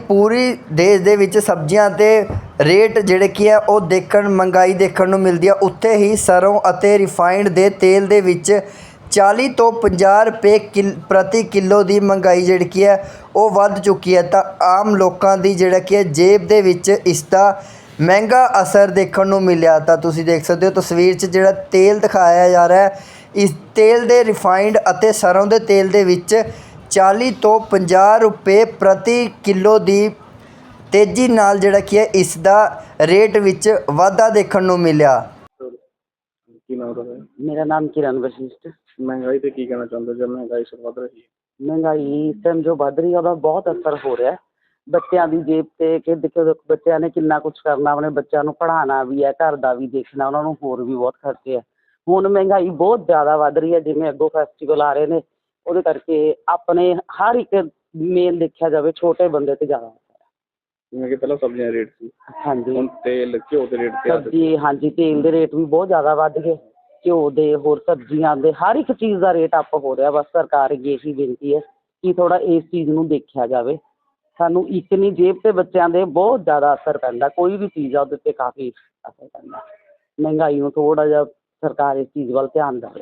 ਪੂਰੀ ਦੇਸ਼ ਦੇ ਵਿੱਚ ਸਬਜ਼ੀਆਂ ਦੇ ਰੇਟ ਜਿਹੜੇ ਕੀ ਹੈ ਉਹ ਮਹਿੰਗਾਈ ਦੇਖਣ ਨੂੰ ਮਿਲਦੀ ਹੈ। ਉੱਥੇ ਹੀ ਸਰੋਂ ਅਤੇ ਰਿਫਾਈਨਡ ਦੇ ਤੇਲ ਦੇ ਵਿੱਚ 40 ਤੋਂ 50 ਰੁਪਏ ਪ੍ਰਤੀ ਕਿਲੋ ਦੀ ਮਹਿੰਗਾਈ ਜਿਹੜੀ ਕੀ ਹੈ ਉਹ ਵੱਧ ਚੁੱਕੀ ਹੈ। ਤਾਂ ਆਮ ਲੋਕਾਂ ਦੀ ਜਿਹੜਾ ਕੀ ਹੈ ਜੇਬ ਦੇ ਵਿੱਚ ਇਸ ਦਾ ਮਹਿੰਗਾ ਅਸਰ ਦੇਖਣ ਨੂੰ ਮਿਲਿਆ। ਤਾਂ ਤੁਸੀਂ ਦੇਖ ਸਕਦੇ ਹੋ ਤਸਵੀਰ 'ਚ ਜਿਹੜਾ ਤੇਲ ਦਿਖਾਇਆ ਜਾ ਰਿਹਾ ਹੈ, ਇਸ ਤੇਲ ਦੇ ਰਿਫਾਈਨਡ ਅਤੇ ਸਰੋਂ ਦੇ ਤੇਲ ਦੇ ਵਿੱਚ 40 ਤੋਂ 50 ਰੁਪਏ ਪ੍ਰਤੀ ਕਿਲੋ ਦੀ ਤੇਜ਼ੀ ਨਾਲ ਜਿਹੜਾ ਕੀ ਹੈ ਇਸ ਦਾ ਰੇਟ ਵਿੱਚ ਵਾਧਾ ਦੇਖਣ ਨੂੰ ਮਿਲਿਆ। ਕੀ ਨਾਮ ਹੈ? ਮੇਰਾ ਨਾਮ ਕਿਰਨ ਵਸ਼ਿਸ਼ਟ। ਮਹਿੰਗਾਈ ਤੇ ਕੀ ਕਹਿਣਾ ਚਾਹੁੰਦੇ ਜਦ ਮਹਿੰਗਾਈ ਸਿਰ ਵੱਧ ਰਹੀ ਹੈ? ਮਹਿੰਗਾਈ ਇਸ ਟਾਈਮ ਜੋ ਵੱਧ ਰਹੀ ਹੈ ਉਹਦਾ ਬਹੁਤ ਅਸਰ ਹੋ ਰਿਹਾ ਬੱਚਿਆਂ ਦੀ ਜੇਬ 'ਤੇ ਕਿ ਦੇਖੋ ਬੱਚਿਆਂ ਨੇ ਕਿੰਨਾ ਕੁਛ ਕਰਨਾ, ਆਪਣੇ ਬੱਚਿਆਂ ਨੂੰ ਪੜ੍ਹਾਉਣਾ ਵੀ ਹੈ, ਘਰ ਦਾ ਵੀ ਦੇਖਣਾ, ਉਹਨਾਂ ਨੂੰ ਹੋਰ ਵੀ ਬਹੁਤ ਖਰਚੇ ਹੈ। ਹੁਣ ਮਹਿੰਗਾਈ ਬਹੁਤ ਜ਼ਿਆਦਾ ਵੱਧ ਰਹੀ ਹੈ। ਜਿਵੇਂ ਅੱਗੋਂ ਫੈਸਟੀਵਲ ਆ ਰਹੇ ਨੇ ਉਹਦੇ ਕਰਕੇ ਆਪਣੇ ਹਰ ਇੱਕ ਮੇਨ ਦੇਖਿਆ ਜਾਵੇ ਛੋਟੇ ਬੰਦੇ 'ਤੇ ਜ਼ਿਆਦਾ ਜਿਵੇਂ ਕਿ ਪਹਿਲਾਂ ਸਬਜ਼ੀਆਂ ਦੇ ਰੇਟ ਸੀ, ਹਾਂਜੀ ਹੁਣ ਤੇਲ ਘਿਓ ਦੇ ਰੇਟ ਤੇ ਸਬਜ਼ੀ, ਹਾਂਜੀ ਤੇਲ ਦੇ ਰੇਟ ਵੀ ਬਹੁਤ ਜ਼ਿਆਦਾ ਵੱਧ ਗਏ, ਘਿਓ ਦੇ, ਹੋਰ ਸਬਜ਼ੀਆਂ ਦੇ, ਹਰ ਇੱਕ ਚੀਜ਼ ਦਾ ਰੇਟ ਅੱਪ ਹੋ ਰਿਹਾ। ਬਸ ਸਰਕਾਰ ਅੱਗੇ ਇਹੀ ਬੇਨਤੀ ਹੈ ਕਿ ਥੋੜ੍ਹਾ ਇਸ ਚੀਜ਼ ਨੂੰ ਦੇਖਿਆ ਜਾਵੇ। ਸਾਨੂੰ ਇੱਕ ਨਹੀਂ ਜੇਬ 'ਤੇ ਬੱਚਿਆਂ ਦੇ ਬਹੁਤ ਜ਼ਿਆਦਾ ਅਸਰ ਪੈਂਦਾ, ਕੋਈ ਵੀ ਚੀਜ਼ ਆ ਉਹਦੇ 'ਤੇ ਕਾਫੀ ਅਸਰ ਪੈਂਦਾ। ਮਹਿੰਗਾਈ ਨੂੰ ਥੋੜ੍ਹਾ ਜਿਹਾ ਸਰਕਾਰ ਇਸ ਚੀਜ਼ ਵੱਲ ਧਿਆਨ ਦੇਵੇ।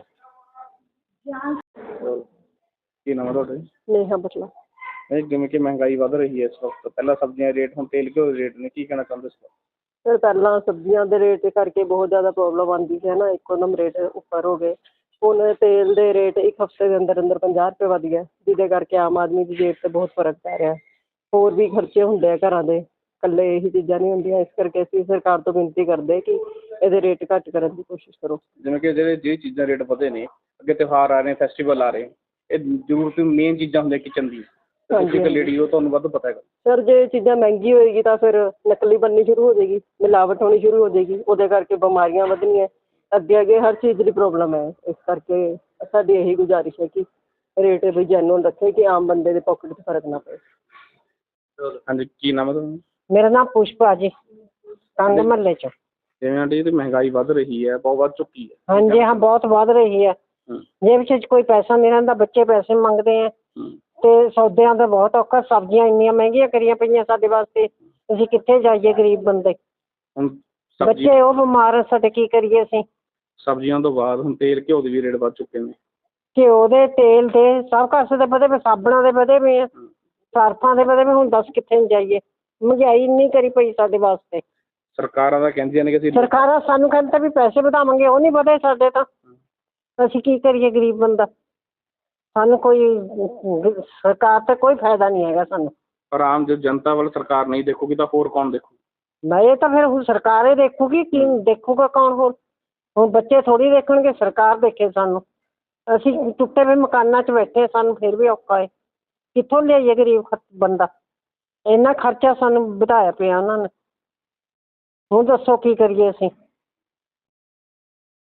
ਕੀ ਨਾਮ ਹੈ ਤੁਹਾਡਾ? ਨੇਹਾ ਬਟਲਾ। ਜਿਵੇਂ ਕਿ ਮਹਿੰਗਾਈ ਵੱਧ ਰਹੀ ਹੈ ਇਸ ਵਕਤ, ਪਹਿਲਾਂ ਸਬਜ਼ੀਆਂ ਦੇ ਰੇਟ, ਹੁਣ ਤੇਲ ਘਿਓ ਦੇ ਰੇਟ ਨੇ, ਕੀ ਕਹਿਣਾ ਚਾਹੁੰਦੇ ਇਸ? ਸਰ ਪਹਿਲਾਂ ਸਬਜ਼ੀਆਂ ਦੇ ਰੇਟ ਕਰਕੇ ਬਹੁਤ ਜ਼ਿਆਦਾ ਪ੍ਰੋਬਲਮ ਆਉਂਦੀ ਸੀ ਨਾ, ਇੱਕੋਦਮ ਰੇਟ ਉੱਪਰ ਹੋ ਗਏ। ਹੁਣ ਤੇਲ ਦੇ ਰੇਟ ਇੱਕ ਹਫ਼ਤੇ ਦੇ ਅੰਦਰ 50 ਰੁਪਏ ਵੱਧ ਗਿਆ, ਜਿਹਦੇ ਕਰਕੇ ਆਮ ਆਦਮੀ ਦੀ ਜੇਬ 'ਤੇ ਬਹੁਤ ਫਰਕ ਪੈ ਰਿਹਾ। ਹੋਰ ਵੀ ਖਰਚੇ ਹੁੰਦੇ ਆ ਘਰਾਂ ਦੇ, ਇਕੱਲੇ ਇਹੀ ਚੀਜ਼ਾਂ ਨਹੀਂ ਹੁੰਦੀਆਂ। ਇਸ ਕਰਕੇ ਅਸੀਂ ਸਰਕਾਰ ਤੋਂ ਬੇਨਤੀ ਕਰਦੇ ਕਿ ਇਹਦੇ ਰੇਟ ਘੱਟ ਕਰਨ ਦੀ ਕੋਸ਼ਿਸ਼ ਕਰੋ। ਜਿਵੇਂ ਕਿ ਜਿਹੜੀ ਚੀਜ਼ਾਂ ਰੇਟ ਵਧੇ ਨੇ, ਅੱਗੇ ਤਿਉਹਾਰ ਆ ਰਹੇ, ਫੈਸਟੀਵਲ ਆ ਰਹੇ, ਇਹ ਜ਼ਰੂਰਤ ਮੇਨ ਚੀਜ਼ਾਂ ਹੁੰਦੀਆਂ ਕਿਚਨ ਦੀ, ਤੁਸੀਂ ਇੱਕ ਲੇਡੀ ਹੋ, ਤੁਹਾਨੂੰ ਵੱਧ ਪਤਾ ਹੈਗਾ। ਸਰ ਜੇ ਚੀਜ਼ਾਂ ਮਹਿੰਗੀ ਹੋਏਗੀ ਤਾਂ ਫਿਰ ਨਕਲੀ ਬਣਨੀ ਸ਼ੁਰੂ ਹੋ ਜਾਏਗੀ, ਮਿਲਾਵਟ ਹੋਣੀ ਸ਼ੁਰੂ ਹੋ ਜਾਏਗੀ, ਉਹਦੇ ਕਰਕੇ ਬਿਮਾਰੀਆਂ ਵਧਣੀਆਂ, ਅੱਗੇ ਹਰ ਚੀਜ਼ ਦੀ ਪ੍ਰੋਬਲਮ ਹੈ। ਇਸ ਕਰਕੇ ਸਾਡੀ ਇਹੀ ਗੁਜ਼ਾਰਿਸ਼ ਹੈ ਕਿ ਰੇਟ ਵੀ ਜੈਨੂਅਨ ਰੱਖੇ ਕਿ ਆਮ ਬੰਦੇ ਦੇ ਪੋਕਟ 'ਚ ਫਰਕ ਨਾ ਪਏ। ਹਾਂਜੀ, ਕੀ ਨਾਮ ਹੈ ਤੁਹਾਨੂੰ? ਮੇਰਾ ਨਾਮ ਪੁਸ਼ਪਾ ਜੀ, ਕੰਗ ਮਹੱਲੇ 'ਚ। ਜਿਵੇਂ ਆਂਟੀ ਜੀ ਮਹਿੰਗਾਈ ਵੱਧ ਰਹੀ ਹੈ, ਬਹੁਤ ਵੱਧ ਚੁੱਕੀ ਹੈ। ਹਾਂਜੀ ਹਾਂ, ਬਹੁਤ ਵੱਧ ਰਹੀ ਹੈ। ਜੇਬ 'ਚ ਕੋਈ ਪੈਸਾ ਨਹੀਂ ਰਹਿੰਦਾ, ਬੱਚੇ ਪੈਸੇ ਮੰਗਦੇ ਹੈ ਤੇ ਸੌਦਿਆਂ ਦਾ ਬਹੁਤ ਔਖਾ। ਸਬਜ਼ੀਆਂ ਇੰਨੀਆਂ ਮਹਿੰਗੀਆਂ ਕਰੀਆਂ ਪਈਆਂ ਸਾਡੇ ਵਾਸਤੇ, ਅਸੀਂ ਕਿੱਥੇ ਜਾਈਏ ਗਰੀਬ ਬੰਦੇ। ਹੁਣ ਬੱਚੇ ਉਹ ਬਿਮਾਰ ਸਾਡੇ, ਕੀ ਕਰੀਏ ਅਸੀਂ। ਸਬਜ਼ੀਆਂ ਤੋਂ ਬਾਅਦ ਹੁਣ ਤੇਲ ਘਿਓ ਦੇ ਵੀ ਰੇਟ ਵੱਧ ਚੁੱਕੇ ਨੇ। ਘਿਓ ਦੇ, ਤੇਲ ਦੇ, ਸਭ ਕਾਸੇ ਦੇ ਵਧੇ ਪਏ, ਸਾਬਣਾਂ ਦੇ ਵਧੇ ਪਏ ਆ, ਸਰਫਾਂ ਦੇ ਵਧੇ ਪਏ। ਹੁਣ ਦੱਸ ਕਿੱਥੇ ਨੂੰ ਜਾਈਏ, ਮਹਿੰਗਾਈ ਇੰਨੀ ਕਰੀ ਪਈ ਸਾਡੇ ਵਾਸਤੇ। ਸਰਕਾਰਾਂ ਤਾਂ ਕਹਿੰਦੀਆਂ ਨੇ ਕਿ ਅਸੀਂ, ਸਰਕਾਰਾਂ ਸਾਨੂੰ ਕਹਿੰਦੇ ਵੀ ਪੈਸੇ ਵਧਾਵਾਂਗੇ, ਉਹ ਨਹੀਂ ਵਧੇ ਸਾਡੇ ਤਾਂ। ਅਸੀਂ ਕੀ ਕਰੀਏ ਗਰੀਬ ਬੰਦਾ, ਸਾਨੂੰ ਕੋਈ ਸਰਕਾਰ ਤੇ ਕੋਈ ਫਾਇਦਾ ਨਹੀਂ ਹੈਗਾ ਸਾਨੂੰ। ਪਰ ਆਮ ਜੋ ਜਨਤਾ ਵੱਲ ਸਰਕਾਰ ਨਹੀਂ ਦੇਖੂਗੀ ਤਾਂ ਹੋਰ ਕੌਣ ਦੇਖੂ? ਮੈਂ ਇਹ ਤਾਂ ਫਿਰ ਹੁਣ ਸਰਕਾਰ ਹੀ ਦੇਖੂਗੀ, ਕੀ ਦੇਖੂਗਾ ਕੌਣ ਹੋਰ? ਹੁਣ ਬੱਚੇ ਥੋੜ੍ਹੀ ਦੇਖਣਗੇ, ਸਰਕਾਰ ਦੇਖੇ ਸਾਨੂੰ। ਅਸੀਂ ਟੁੱਟੇ ਹੋਏ ਮਕਾਨਾਂ 'ਚ ਬੈਠੇ, ਸਾਨੂੰ ਫਿਰ ਵੀ ਔਖਾ ਹੈ। ਕਿੱਥੋਂ ਲਿਆਈਏ ਗਰੀਬ ਬੰਦਾ? ਇੰਨਾ ਖਰਚਾ ਸਾਨੂੰ ਵਧਾਇਆ ਪਿਆ ਉਹਨਾਂ ਨੇ। ਹੁਣ ਦੱਸੋ ਕੀ ਕਰੀਏ ਅਸੀਂ।